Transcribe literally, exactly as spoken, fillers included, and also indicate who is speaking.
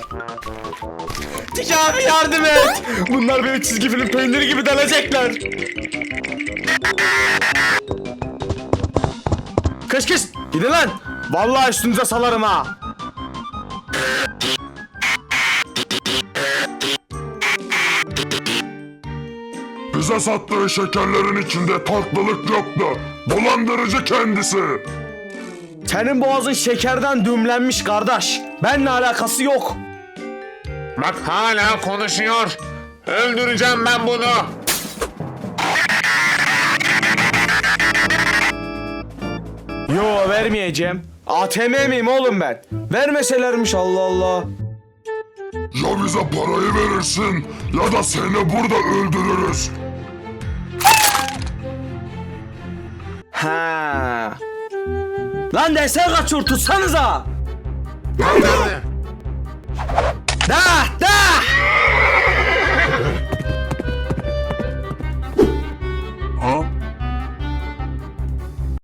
Speaker 1: Tiki abi yardım et. Bunlar beni çizgi film peyniri gibi delecekler. Kış kış. Gidin lan. Vallahi üstünüze salarım ha.
Speaker 2: Bize sattığı şekerlerin içinde tatlılık yoktu. Dolandırıcı kendisi.
Speaker 1: Senin boğazın şekerden düğümlenmiş kardeş. Benimle alakası yok.
Speaker 3: Bak hala konuşuyor. Öldüreceğim ben bunu.
Speaker 1: Yo vermeyeceğim. A T M miyim oğlum ben? Vermeselermiş Allah Allah.
Speaker 2: Ya bize parayı verirsin ya da seni burada öldürürüz.
Speaker 1: Ha. Lan desene kaçıyor tutsanıza.
Speaker 3: Nerede?